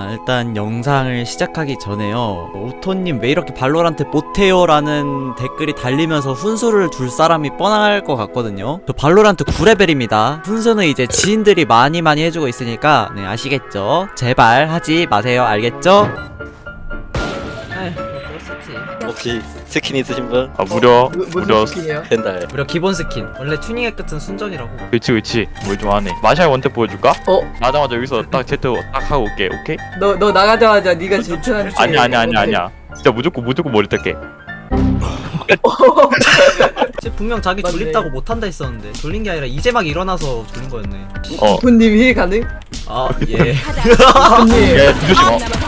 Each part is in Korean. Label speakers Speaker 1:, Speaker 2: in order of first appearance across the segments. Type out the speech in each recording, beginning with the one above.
Speaker 1: 일단 영상을 시작하기 전에요, 오토님 왜 이렇게 발로란트 못해요? 라는 댓글이 달리면서 훈수를 둘 사람이 뻔할 것 같거든요. 저 발로란트 9레벨입니다 훈수는 이제 지인들이 많이 해주고 있으니까 네, 아시겠죠? 제발 하지 마세요. 알겠죠? 아휴 그렇겠지.
Speaker 2: 혹시 스킨 있으신 분?
Speaker 3: 아 무려
Speaker 4: 무슨 스킨이에요?
Speaker 2: 펜달.
Speaker 1: 무려 기본 스킨. 원래 튜닝의 끝은 순전이라고.
Speaker 3: 그치 뭘 좀 하네. 마샬 원탭 보여줄까?
Speaker 4: 어?
Speaker 3: 나자마자 여기서 딱 제트 딱 하고 올게. 오케이?
Speaker 4: 너 나가자마자 네가 제트한테
Speaker 3: 아니야 진짜 무조건 머리 뗄게.
Speaker 1: 쟤 분명 자기
Speaker 4: 맞네.
Speaker 1: 졸립다고 못한다 했었는데 졸린 게 아니라 이제 막 일어나서 졸린 거였네.
Speaker 4: 부님 힐 가능?
Speaker 1: 아 예.
Speaker 4: 부님
Speaker 3: 야 조심.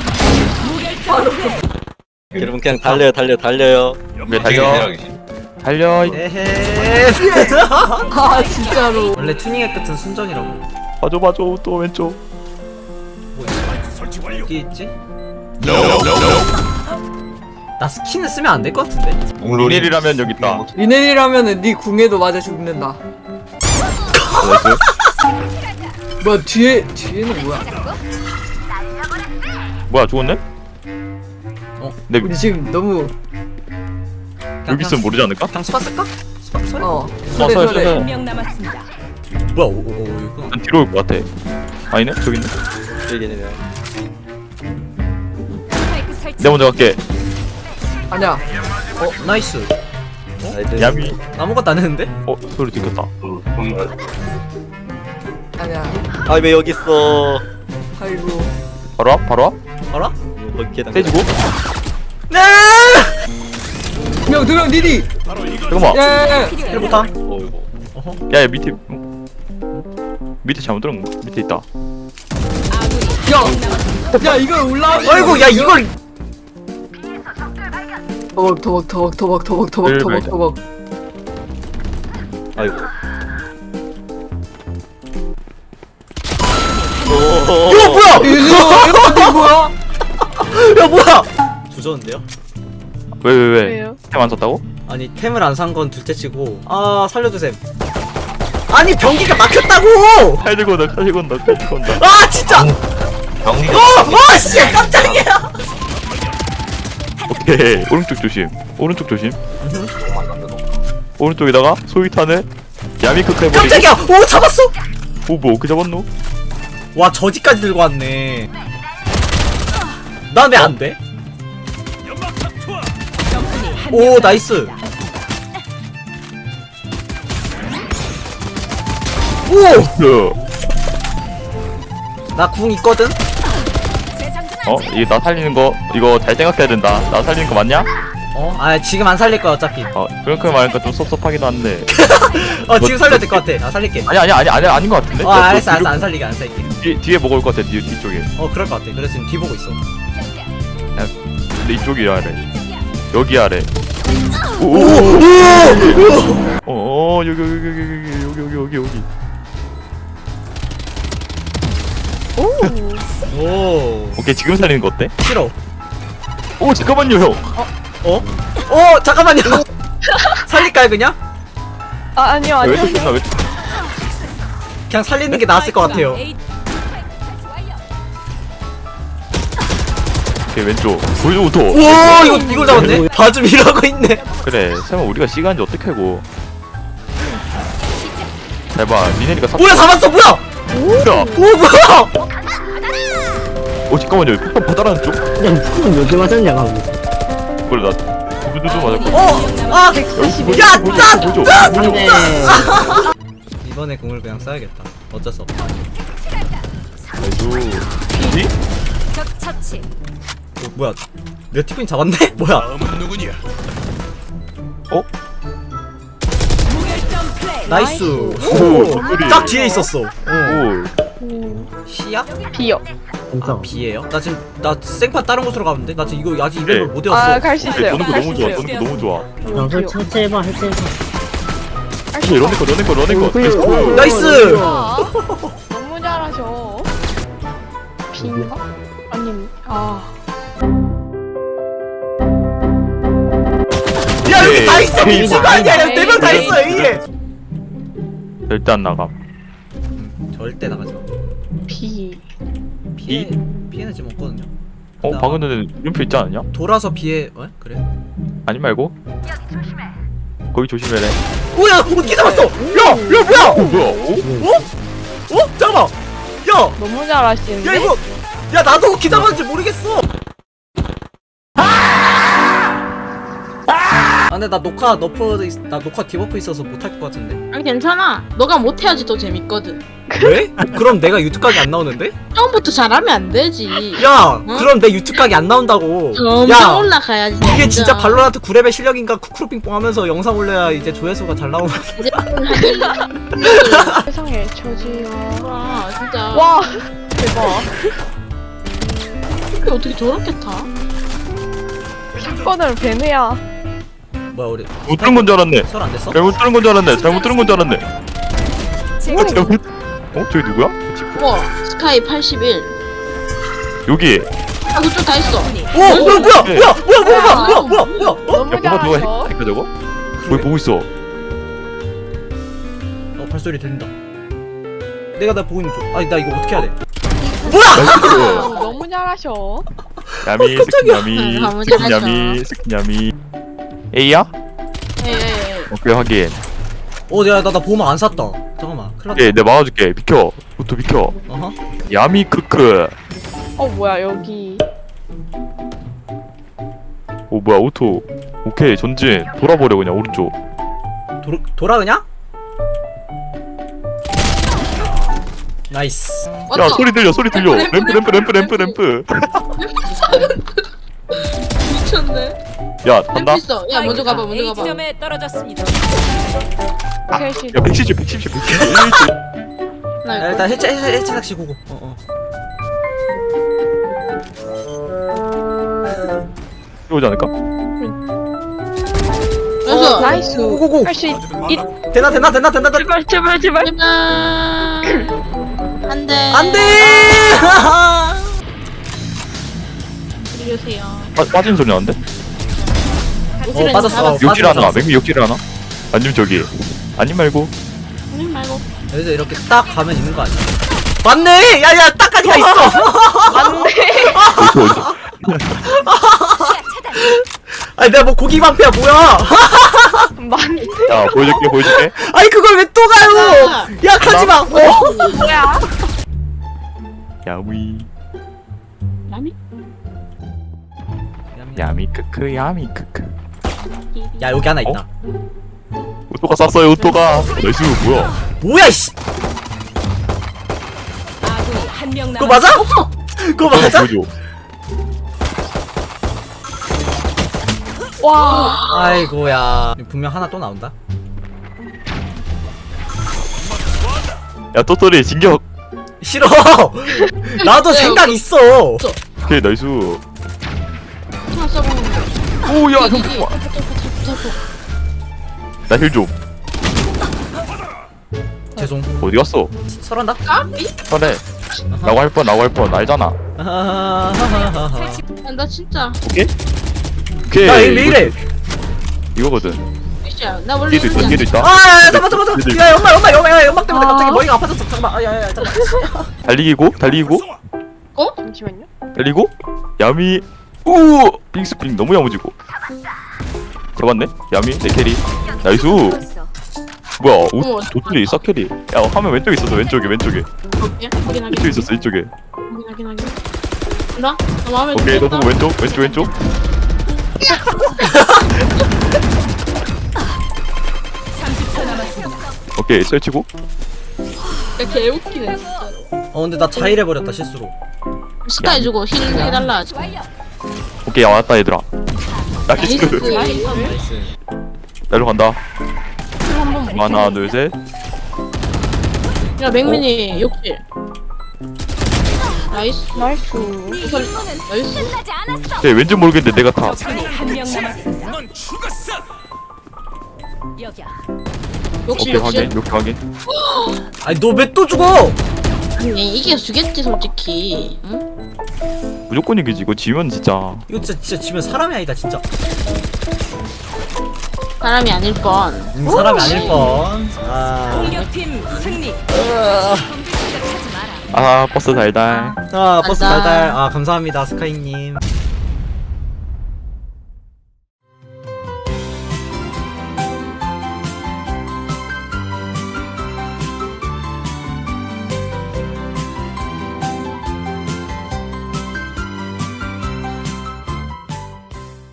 Speaker 2: 여러분 그냥 달려요.
Speaker 3: 왜 달려.
Speaker 1: 에헤.
Speaker 4: 아 진짜로
Speaker 1: 원래 튜닝의 끝은 순전이라고.
Speaker 3: 봐줘 또 왼쪽.
Speaker 1: 뭐 있어? 어디 있지? 나 스킨을 쓰면 안 될 것 같은데?
Speaker 3: 리넬이라면 여기 있다.
Speaker 4: 리넬이라면은 네 궁에도 맞아 죽는다. 뭐야 뒤에는 뭐야?
Speaker 3: 뭐야 죽었네? 네
Speaker 4: 우리 지금 너무
Speaker 3: 여기 있으면 모르지 않을까?
Speaker 1: 그냥 스파 쓸까? 스파 소리?
Speaker 4: 소래.
Speaker 5: 한명 남았습니다.
Speaker 1: 뭐야 이거.
Speaker 3: 난 뒤로 올 것 같아. 아니네 저기 있네.
Speaker 2: 여기는
Speaker 5: 스파이크 설치.
Speaker 3: 내가 먼저 갈게.
Speaker 4: 아니야.
Speaker 1: 나이스.
Speaker 3: 야미.
Speaker 1: 아무것도 안 했는데?
Speaker 3: 소리 들켰다.
Speaker 4: 아니야.
Speaker 2: 아 왜 여기 있어?
Speaker 4: 아이고.
Speaker 3: 바로 와?
Speaker 1: 알아?
Speaker 2: 거기 계단.
Speaker 3: 떼지고?
Speaker 1: 네!
Speaker 4: 두명 니디.
Speaker 3: 잠깐만.
Speaker 4: 예.
Speaker 1: 헬보탐.
Speaker 2: 어이구.
Speaker 3: 야 밑에 잘못 들은 거 밑에 있다.
Speaker 5: 아군이
Speaker 4: 야 이걸 올라와.
Speaker 1: 아이고 야 이걸.
Speaker 4: 더벅.
Speaker 2: 아이고.
Speaker 1: 이거 뭐야?
Speaker 4: 이거 뭐야?
Speaker 1: 야 뭐야? 조졌는데요?
Speaker 3: 왜? 템 안 썼다고?
Speaker 1: 아니 템을 안 산 건 둘째치고 아 살려주셈. 아니 변기가 막혔다고!
Speaker 3: 칼 들고 온다.
Speaker 1: 아 진짜! 씨 깜짝이야!
Speaker 3: 오케이. 오른쪽 조심. 오른쪽에다가 소위탄을 야미크크 해버리고.
Speaker 1: 깜짝이야! 오 잡았어!
Speaker 3: 뭐 그 잡았노?
Speaker 1: 와 저지까지 들고 왔네. 난 왜 안 돼?
Speaker 5: 적군이 한
Speaker 1: 오 나이스. 오! 나 궁 있거든?
Speaker 3: 이게 나 살리는 거 이거 잘 생각해야 된다. 나 살리는 거 맞냐?
Speaker 1: 아 지금 안 살릴 거야 어차피.
Speaker 3: 그렇게 말하니까 좀 섭섭하긴 한데.
Speaker 1: 지금 살려야 될 것 같아. 나 살릴게.
Speaker 3: 아닌 것 같은데?
Speaker 1: 알았어 안 살리게 안 살릴게.
Speaker 3: 뒤에 먹을 것 같아. 뒤쪽에.
Speaker 1: 그럴 것 같아. 그래서 지금 뒤 보고 있어.
Speaker 3: 근데 이쪽이 아래. 여기 아래. 여기.
Speaker 1: 오
Speaker 3: 오케이 지금 살리는 거 어때?
Speaker 1: 싫어.
Speaker 3: 오 잠깐만요 형.
Speaker 1: 잠깐만요. 살릴까요 그냥?
Speaker 6: 아니요
Speaker 3: 왜 이렇게 끝나? 왜?
Speaker 1: 그냥 살리는 게 나았을 것 같아요.
Speaker 3: 오케이 왼쪽. 보여줘부터.
Speaker 1: 오 이걸 잡았네. 봐좀 이러고 있네.
Speaker 3: 그래 설마 우리가 시간인지 어떻게 알고. 잘봐 리넬이가
Speaker 1: 뭐야 잡았어 뭐야?
Speaker 3: 뭐야?
Speaker 1: 뭐야?
Speaker 3: 잠깐만요 폭탄 바다라는 쪽?
Speaker 7: 그냥 푸는 몇개 맞았냐고.
Speaker 3: 그래 나 두두두두 맞았거든.
Speaker 7: 안돼.
Speaker 1: 이번에 공을 그냥 써야겠다. 어쩔 수 없다.
Speaker 3: 니?
Speaker 5: 적 처치.
Speaker 1: 뭐야? 내가 티코인 잡았네? 뭐야?
Speaker 5: 무결점 플레이.
Speaker 1: 나이스.
Speaker 3: 오,
Speaker 1: 딱 뒤에 있었어.
Speaker 3: 오
Speaker 1: 시야?
Speaker 6: 비요.
Speaker 7: 괜찮아.
Speaker 1: B예요? 나 생판 다른 곳으로 가는데? 나 지금 이거 아직 이름을 못 외웠어.
Speaker 6: 갈 수
Speaker 3: 오케이
Speaker 6: 있어요.
Speaker 3: 노는 거
Speaker 6: 갈 수
Speaker 3: 너무 좋아
Speaker 6: 있어요.
Speaker 3: 노는 거 너무 좋아.
Speaker 7: 영상 천천히해봐 할 때는.
Speaker 3: 오케이 러닝 거
Speaker 7: 오,
Speaker 1: 나이스!
Speaker 6: 너무 잘하셔. 비인가? 아님.
Speaker 1: 야 여기 다 있어!
Speaker 3: 오케이.
Speaker 1: 미친 거 아니야! 여기 4명 다 있어 A에!
Speaker 3: 절대 안 나감.
Speaker 1: 절대 나가지 마.
Speaker 6: 비.
Speaker 1: 피해. B에는 지금 없거든요.
Speaker 3: 방금 전에 물음표 있지 않았냐?
Speaker 1: 돌아서 B에 그래?
Speaker 3: 아니 말고 거기 조심해래.
Speaker 1: 뭐야? 어떻게 잡았어? 야 뭐야?
Speaker 3: 뭐야?
Speaker 1: 잠깐만. 야
Speaker 6: 너무 잘하시는데?
Speaker 1: 이거 야 나도 어떻게 잡았는지 모르겠어. 근데 나 녹화 디버프 있어서 못할 것 같은데.
Speaker 8: 아니 괜찮아. 너가 못해야지 더 재밌거든.
Speaker 1: 왜? 그럼 내가 유튜브 각이 안 나오는데?
Speaker 8: 처음부터 잘하면 안 되지.
Speaker 1: 야
Speaker 8: 응?
Speaker 1: 그럼 내 유튜브 각이 안 나온다고.
Speaker 8: 점점 올라가야지.
Speaker 1: 이게 진짜 발로란트 9레벨 실력인가 쿠쿠루핑뽕 하면서 영상 올려야 이제 조회수가 잘 나오는.
Speaker 6: 세상에 저지요.
Speaker 8: 와 진짜.
Speaker 6: 와 대박.
Speaker 8: 이게 어떻게 저렇게 타?
Speaker 6: 사건을 배느야.
Speaker 1: 뭐야 우리
Speaker 3: 못 들은 건 줄 알았네.
Speaker 1: 설 안 됐어?
Speaker 3: 잘못 들은 건 줄 알았네. 잘못 들은 건 줄 알았네.
Speaker 5: 제가
Speaker 3: 잘못. 저기 누구야?
Speaker 8: 우와 스카이 81.
Speaker 3: 여기.
Speaker 8: 아 그쪽 다 있어.
Speaker 1: 뭐야
Speaker 6: 너무
Speaker 3: 야 뭐가 누가
Speaker 6: 잘하셔.
Speaker 3: 했다니까 저거? 거기 보고 있어.
Speaker 1: 발소리 들린다. 내가 나 보고 있는 쪽. 아니 나 이거 어떻게 해야 돼?
Speaker 6: 너무 잘하셔.
Speaker 3: 야미 스킨 야미
Speaker 8: 너무
Speaker 3: 스킨
Speaker 8: 잘하셔.
Speaker 3: 야미 스킨 야미. A야?
Speaker 8: 예.
Speaker 3: 오케이 확인.
Speaker 1: 내가 나 보면 안 샀다. 잠깐만. 큰일 났다.
Speaker 3: 오케이 내가 막아줄게. 비켜. 오토 비켜.
Speaker 1: 어허.
Speaker 3: 야미 크크.
Speaker 6: 뭐야 여기.
Speaker 3: 오 뭐야 오토. 오케이 전진 돌아버려 그냥 오른쪽.
Speaker 1: 돌아 그냥? 나이스.
Speaker 3: 야 소리 들려 소리 들려. 램프.
Speaker 8: 미쳤네.
Speaker 3: 야 간다.
Speaker 8: 있어. 야 먼저 가봐 먼저
Speaker 5: A
Speaker 8: 가봐.
Speaker 5: 지점에 떨어졌습니다.
Speaker 6: 셋이.
Speaker 3: 야 170.
Speaker 8: 나
Speaker 1: 야,
Speaker 8: 이거.
Speaker 1: 일단 해체 낚시 고고.
Speaker 3: 이거지 않을까?
Speaker 8: 그래서
Speaker 6: 나이스.
Speaker 1: 고고고.
Speaker 6: 할 수 있.
Speaker 1: 되나.
Speaker 6: 제발 제발.
Speaker 8: 제발. 안돼.
Speaker 1: 안돼.
Speaker 8: 이러세요.
Speaker 3: 빠진 소리 나는데?
Speaker 1: 빠졌어.
Speaker 3: 욕질 하나. 맹미 욕질 하나? 아니면 저기. 아니 말고.
Speaker 8: 아니 말고.
Speaker 1: 여기서 이렇게 딱 가면 있는 거 아니야? 맞네. 야야 딱까지 가 있어.
Speaker 3: 어디?
Speaker 1: 아니 내가 뭐 고기 방패야 뭐야?
Speaker 6: 맞네.
Speaker 3: 야 보여줄게.
Speaker 1: 아니 그걸 왜 또 가요? 야 가지 마.
Speaker 6: 뭐야?
Speaker 3: 야미.
Speaker 8: 라미?
Speaker 3: 야미 크크 야미 크크.
Speaker 1: 야 여기 하나 있다.
Speaker 3: 오토가 쐈어요 오토가. 나이스 뭐야?
Speaker 1: 뭐야 이씨.
Speaker 5: 아군이 한 명
Speaker 1: 그거
Speaker 5: 남았.
Speaker 1: 맞아? 그거 맞아?
Speaker 3: 보여줘.
Speaker 6: 와.
Speaker 1: 아이고야. 분명 하나 또 나온다.
Speaker 3: 야 또또리 진격.
Speaker 1: 싫어. 나도 생각 있어.
Speaker 3: 오케이 나이스.
Speaker 8: 하나 써보는 거.
Speaker 3: 오야 형 좋아. 나힐 좀.
Speaker 1: 죄송.
Speaker 3: 어디 갔어?
Speaker 1: 설한다.
Speaker 3: 그래. 나고 할 뻔 알잖아.
Speaker 8: 나 진짜.
Speaker 3: 오케이. 오케이.
Speaker 1: 야 왜 이래?
Speaker 3: 이거거든.
Speaker 8: 진짜. 나 원래
Speaker 3: 뒤에도 있다.
Speaker 8: 이러지
Speaker 3: 뒤에도 있다.
Speaker 1: 아 잠깐. 야 연막 때문에
Speaker 8: 아.
Speaker 1: 갑자기 머리가 아파졌어. 잠깐만. 아야야 잠깐.
Speaker 3: 달리고.
Speaker 6: 잠시만요.
Speaker 3: 달리고. 야미. 우. 빙스핑 너무 야무지고. 들어갔네. 야미 내 캐리. 나이스.
Speaker 5: 있어.
Speaker 3: 뭐야?
Speaker 8: 어머.
Speaker 3: 도토리 싹캐리. 야 화면 왼쪽에 있었어. 왼쪽에.
Speaker 8: 않을게. 확인하게.
Speaker 3: 이쪽에 있었어. 이쪽에.
Speaker 8: 확인하게. 나 마음에
Speaker 3: 오케이 너
Speaker 8: 들었다.
Speaker 3: 보고 왼쪽.
Speaker 5: 30초 남았습니다.
Speaker 3: 오케이 설치고.
Speaker 8: 야, 개 웃기네.
Speaker 1: 근데 나 자일해 버렸다 실수로.
Speaker 8: 스카이 주고 힐 해달라 하지.
Speaker 5: 완료.
Speaker 3: 오케이 야 왔다 얘들아. 나이스.
Speaker 8: 나이스.
Speaker 1: 나이스.
Speaker 3: 나로 간다.
Speaker 8: 한번
Speaker 3: 하나 둘 셋.
Speaker 8: 야 맹민이 욕실. 나이스.
Speaker 6: 나이스.
Speaker 5: 네 임무는
Speaker 8: 나이스.
Speaker 5: 끝나지 않았어.
Speaker 3: 오케이 왠지 모르겠는데 내가 타.
Speaker 5: 적군이 한 명 남았습니다. 여기야.
Speaker 8: 욕실
Speaker 3: 오케이
Speaker 8: 욕실.
Speaker 3: 확인.
Speaker 1: 아니 너 왜 또 죽어?
Speaker 8: 아니 이게 주겠지 솔직히. 응?
Speaker 3: 무조건 이기지. 이거 지면 진짜.
Speaker 1: 이거 진짜 지면 사람이 아니다 진짜.
Speaker 8: 사람이 아닐 뻔.
Speaker 1: 사람이 아닐 뻔. 아.
Speaker 5: 공격팀 승리. 공격 생각하지 마라.
Speaker 3: 아 버스 달달.
Speaker 1: 아 버스
Speaker 8: 달달.
Speaker 1: 달달. 아 감사합니다 스카이님.